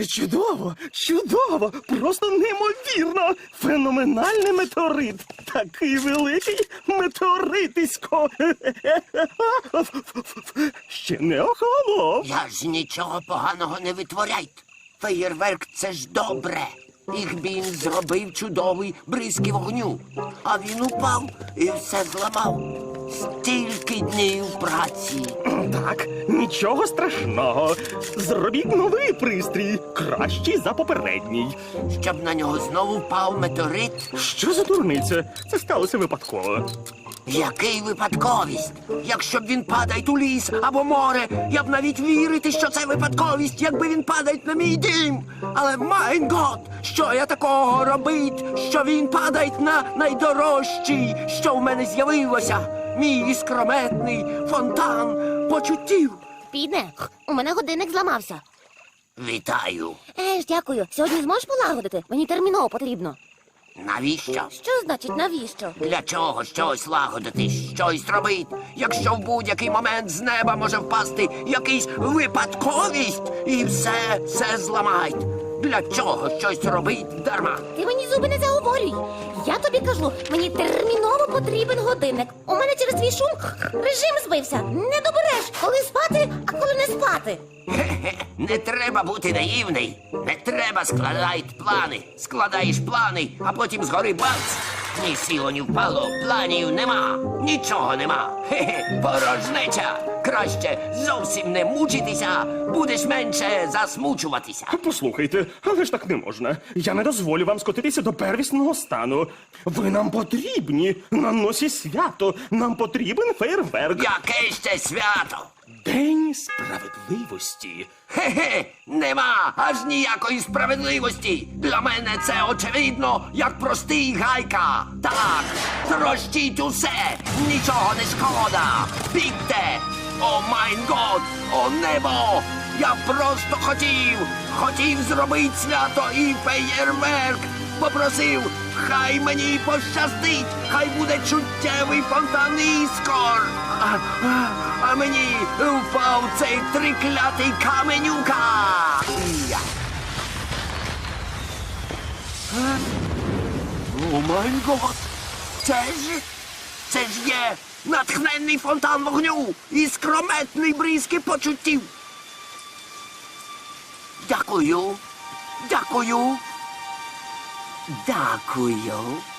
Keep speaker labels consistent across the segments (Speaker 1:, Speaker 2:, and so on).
Speaker 1: Чудово, чудово, просто неймовірно. Феноменальний метеорит. Такий великий метеоритисько. Ще не охолонув.
Speaker 2: Я ж нічого поганого не витворяйте. Феєрверк – це ж добре. Їх він зробив чудовий бризки вогню. А він упав і все зламав. Стільки днів праці.
Speaker 1: Так, нічого страшного. Зробіть новий пристрій, кращий за попередній.
Speaker 2: Щоб на нього знову впав метеорит.
Speaker 1: Що за дурниця? Це сталося випадково.
Speaker 2: Який випадковість? Якщо б він падає у ліс або море, я б навіть вірити, що це випадковість, якби він падає на мій дім. Але, майн гот, що я такого робить, що він падає на найдорожчий, що в мене з'явилося? Мій іскрометний фонтан почуттів.
Speaker 3: Піде, у мене годинник зламався.
Speaker 2: Вітаю.
Speaker 3: Дякую. Сьогодні зможеш полагодити? Мені терміново потрібно.
Speaker 2: Навіщо?
Speaker 3: Що значить навіщо?
Speaker 2: Для чого щось лагодити, щось робить, якщо в будь-який момент з неба може впасти якийсь випадковість і все зламають? Для чого щось робить дарма?
Speaker 3: Ти мені зуби не заговорюй. Я тобі кажу, мені терміново потрібен годинник. У мене через твій шум режим збився. Не добереш, коли спати, а коли не спати.
Speaker 2: Не треба бути наївний. Не треба складати плани. Складаєш плани, а потім згори бац. Ні сіло, ні впало, планів нема. Нічого нема. Порожнеча. Краще зовсім не мучитися, будеш менше засмучуватися.
Speaker 1: Послухайте, але ж так не можна. Я не дозволю вам скотитися до первісного стану. Ви нам потрібні. На носі свято. Нам потрібен фейерверк.
Speaker 2: Яке ще свято?
Speaker 1: День справедливості.
Speaker 2: Нема аж ніякої справедливості. Для мене це очевидно, як простий гайка. Так, трощіть усе, нічого не шкода. Бігте! О майн год, о небо! Я просто хотів зробити свято і феєрверк. Попросив, хай мені пощастить, хай буде чуттєвий фонтан іскор. А мені впав цей триклятий каменюка. О май гот! Це ж є натхненний фонтан вогню і скрометний бризки почуттів. Дякую. Дякую. Дякую.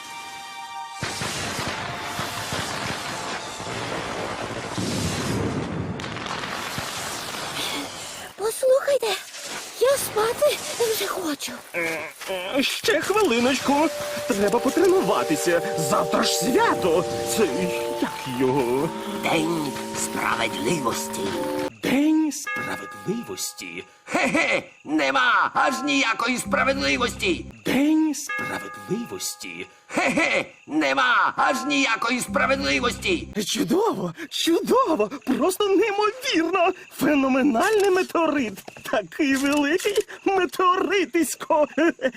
Speaker 3: Послухайте, я спати вже хочу.
Speaker 1: Ще хвилиночку. Треба потренуватися. Завтра ж свято. Це як його?
Speaker 2: День справедливості.
Speaker 1: День справедливості.
Speaker 2: Нема аж ніякої справедливості.
Speaker 1: День справедливості.
Speaker 2: Нема аж ніякої справедливості.
Speaker 1: Чудово, чудово, просто неймовірно. Феноменальний метеорит. Такий великий метеоритисько.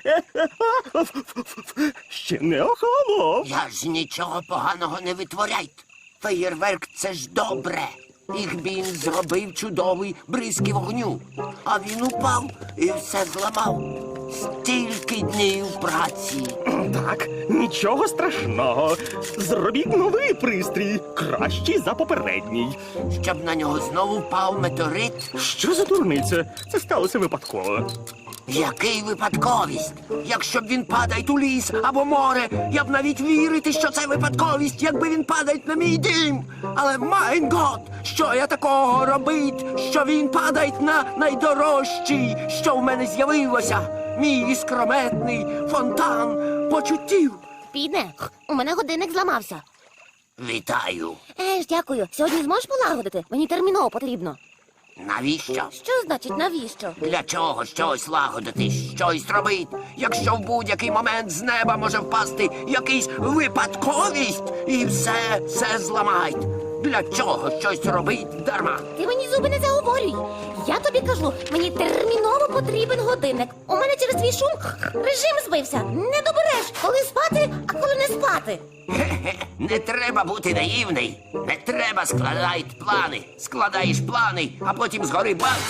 Speaker 1: Ще не охолонув.
Speaker 2: Я ж нічого поганого не витворяйте. Феєрверк – це ж добре. Їх він зробив чудовий бризки вогню. А він упав і все зламав. Стільки днів праці.
Speaker 1: Так, нічого страшного. Зробіть новий пристрій, кращий за попередній.
Speaker 2: Щоб на нього знову впав метеорит.
Speaker 1: Що за дурниця? Це сталося випадково.
Speaker 2: Який випадковість? Якщо б він падає у ліс або море, я б навіть вірити, що це випадковість, якби він падає на мій дім. Але, майн гот, що я такого робить, що він падає на найдорожчий, що в мене з'явилося? Мій іскрометний фонтан почуттів.
Speaker 3: Піде, у мене годинник зламався.
Speaker 2: Вітаю.
Speaker 3: Дякую. Сьогодні зможеш полагодити? Мені терміново потрібно.
Speaker 2: Навіщо?
Speaker 3: Що значить навіщо?
Speaker 2: Для чого щось лагодити, щось робить, якщо в будь-який момент з неба може впасти якийсь випадковість і все зламають? Для чого щось робить дарма?
Speaker 3: Ти мені зуби не заговорюй. Я тобі кажу, мені терміново потрібен годинник. У мене через твій шум режим збився. Не добереш, коли спати, а коли не спати.
Speaker 2: Не треба бути наївний. Не треба складати плани. Складаєш плани, а потім згори бац.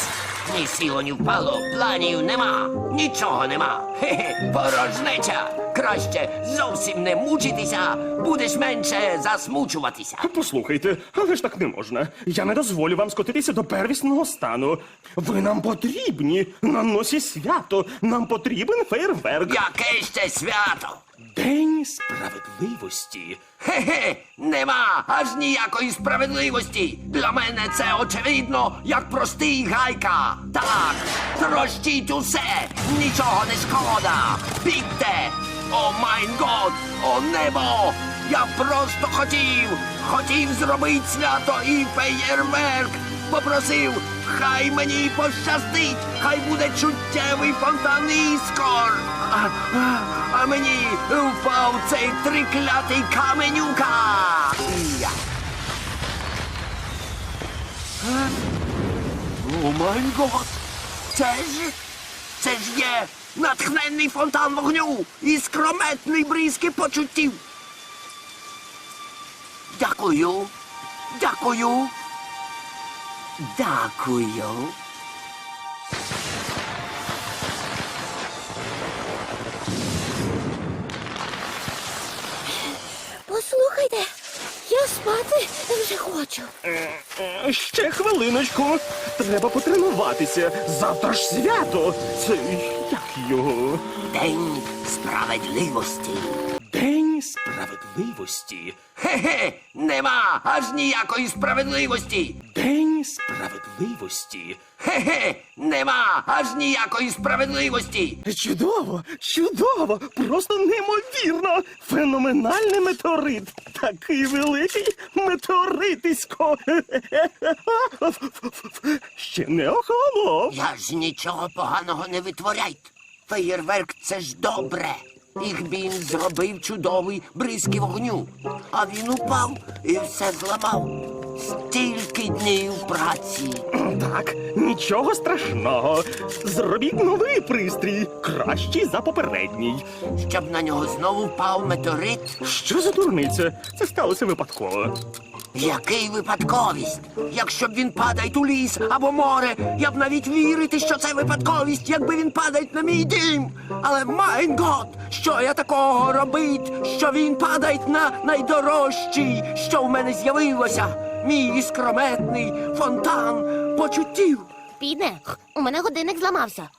Speaker 2: Ні сіло, ні впало, планів нема, нічого нема. Хе-хе, порожнеча. Краще зовсім не мучитися, будеш менше засмучуватися.
Speaker 1: Послухайте, але ж так не можна. Я не дозволю вам скотитися до первісного стану. Ви нам потрібні на носі свято. Нам потрібен фейерверк.
Speaker 2: Яке ще свято?
Speaker 1: День справедливості.
Speaker 2: Хе-хе, нема аж ніякої справедливості. Для мене це очевидно, як простий гайка. Так, трощіть усе, нічого не шкода. Бігте! О майн год, о небо! Я просто хотів зробити свято і феєрверк. Попросив, хай мені пощастить, хай буде чуттєвий фонтан іскор. А мені впав цей триклятий каменюка. Я. О май гот! Це ж є натхненний фонтан вогню і скрометний бризки почуттів. Дякую.
Speaker 3: Послухайте, я спати вже хочу.
Speaker 1: Ще хвилиночку. Треба потренуватися. Завтра ж свято. Це як його?
Speaker 2: День справедливості.
Speaker 1: День справедливості.
Speaker 2: Хе-хе, нема аж ніякої справедливості.
Speaker 1: День справедливості.
Speaker 2: Хе-хе, нема аж ніякої справедливості.
Speaker 1: Чудово, чудово, просто неймовірно. Феноменальний метеорит. Такий великий метеоритисько. Ще не охолонув.
Speaker 2: Я ж нічого поганого не витворяйте. Феєрверк — це ж добре. Їх він зробив чудовий бризки вогню. А він упав і все зламав. Стільки днів праці.
Speaker 1: Так, нічого страшного. Зробіть новий пристрій, кращий за попередній.
Speaker 2: Щоб на нього знову впав метеорит.
Speaker 1: Що за дурниця? Це сталося випадково.
Speaker 2: Який випадковість? Якщо б він падає у ліс або море, я б навіть вірити, що це випадковість, якби він падає на мій дім. Але майн гот, що я такого робить, що він падає на найдорожчий, що в мене з'явилося. Мій іскрометний фонтан почуттів.
Speaker 3: Піде, у мене годинник зламався.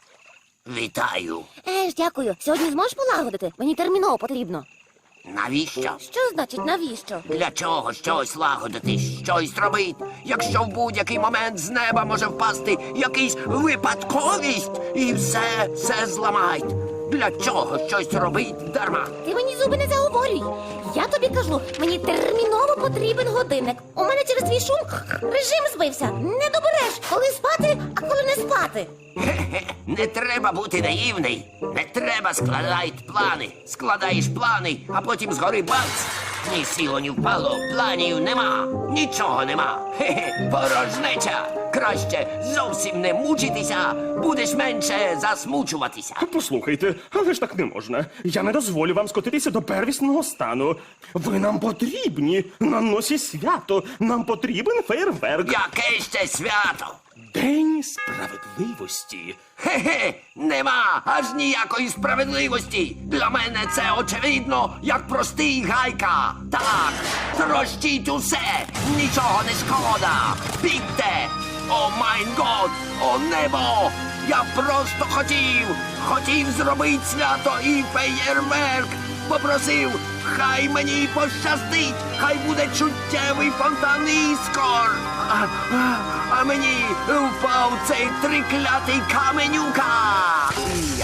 Speaker 2: Вітаю.
Speaker 3: Дякую. Сьогодні зможеш полагодити? Мені терміново потрібно.
Speaker 2: Навіщо?
Speaker 3: Що значить навіщо?
Speaker 2: Для чого щось лагодити, щось робити, якщо в будь-який момент з неба може впасти якийсь випадковість і все зламають? Для чого щось робить дарма?
Speaker 3: Ти мені зуби не заговорюй. Я тобі кажу, мені терміново потрібен годинник. У мене через твій шум режим збився. Не добереш, коли спати, а коли не спати.
Speaker 2: Хе-хе, не треба бути наївний. Не треба складати плани. Складаєш плани, а потім згори бац. Ні сіло, ні впало, планів нема, нічого нема. Хе-хе, порожнеча. Краще зовсім не мучитися, будеш менше засмучуватися.
Speaker 1: Послухайте, але ж так не можна. Я не дозволю вам скотитися до первісного стану. Ви нам потрібні на носі свято. Нам потрібен фейерверк.
Speaker 2: Яке ще свято?
Speaker 1: День справедливості.
Speaker 2: Хе-хе, нема аж ніякої справедливості. Для мене це очевидно, як простий гайка. Так, трощіть усе, нічого не шкода. Бігте! О майн год, о небо! Я просто хотів зробити свято і феєрверк. Попросив, хай мені пощастить, хай буде чуттєвий фонтан іскор. А мені впав цей триклятий каменюка. Я.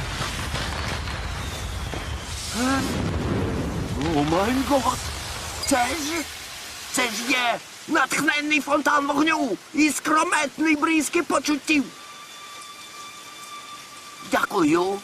Speaker 2: О май гот! Це ж є натхненний фонтан вогню і скрометний бризки почуттів. Дякую.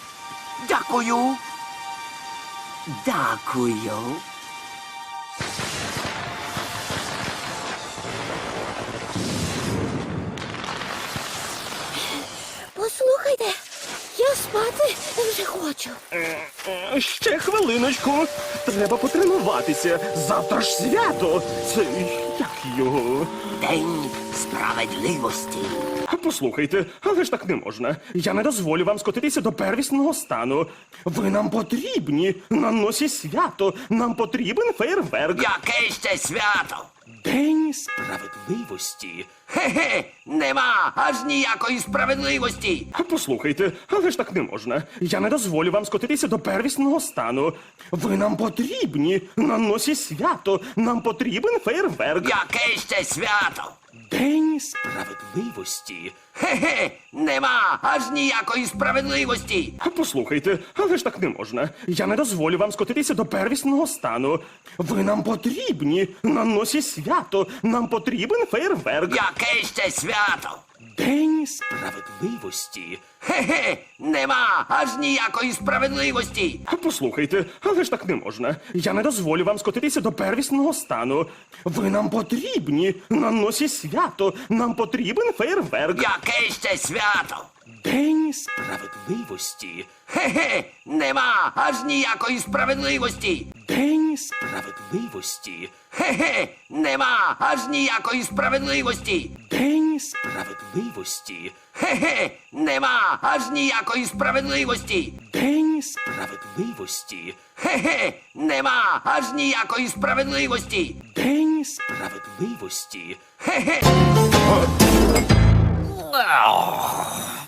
Speaker 3: Послухайте, я спати вже хочу.
Speaker 1: Ще хвилиночку. Треба потренуватися. Завтра ж свято. Це як його?
Speaker 2: День справедливості.
Speaker 1: Послухайте, але ж так не можна. Я не дозволю вам скотитися до первісного стану. Ви нам потрібні на носі свято. Нам потрібен фейерверк.
Speaker 2: Яке ще свято?
Speaker 1: День справедливості.
Speaker 2: Хе-хе, нема аж ніякої справедливості.
Speaker 1: Послухайте, але ж так не можна. Я не дозволю вам скотитися до первісного стану. Ви нам потрібні на носі свято. Нам потрібен фейерверк.
Speaker 2: Яке ще свято?
Speaker 1: День справедливості.
Speaker 2: Хе-хе, нема аж ніякої справедливості.
Speaker 1: Послухайте, але ж так не можна. Я не дозволю вам скотитися до первісного стану. Ви нам потрібні на носі свято. Нам потрібен фейерверк.
Speaker 2: Яке ще свято?
Speaker 1: День справедливості.
Speaker 2: Хе-хе, нема аж ніякої справедливості.
Speaker 1: Послухайте, але ж так не можна. Я не дозволю вам скотитися до первісного стану. Ви нам потрібні на носі свято. Нам потрібен фейерверк.
Speaker 2: Яке ще свято?
Speaker 1: День справедливості.
Speaker 2: Хе-хе, нема аж ніякої справедливості.
Speaker 1: День справедливості.
Speaker 2: Хе-хе, нема аж ніякої справедливості.
Speaker 1: День справедливості.
Speaker 2: Хе-хе, нема аж ніякої справедливості.
Speaker 1: День справедливості.
Speaker 2: Хе-хе, нема аж ніякої справедливості.
Speaker 1: День справедливості.
Speaker 2: Хе-хе.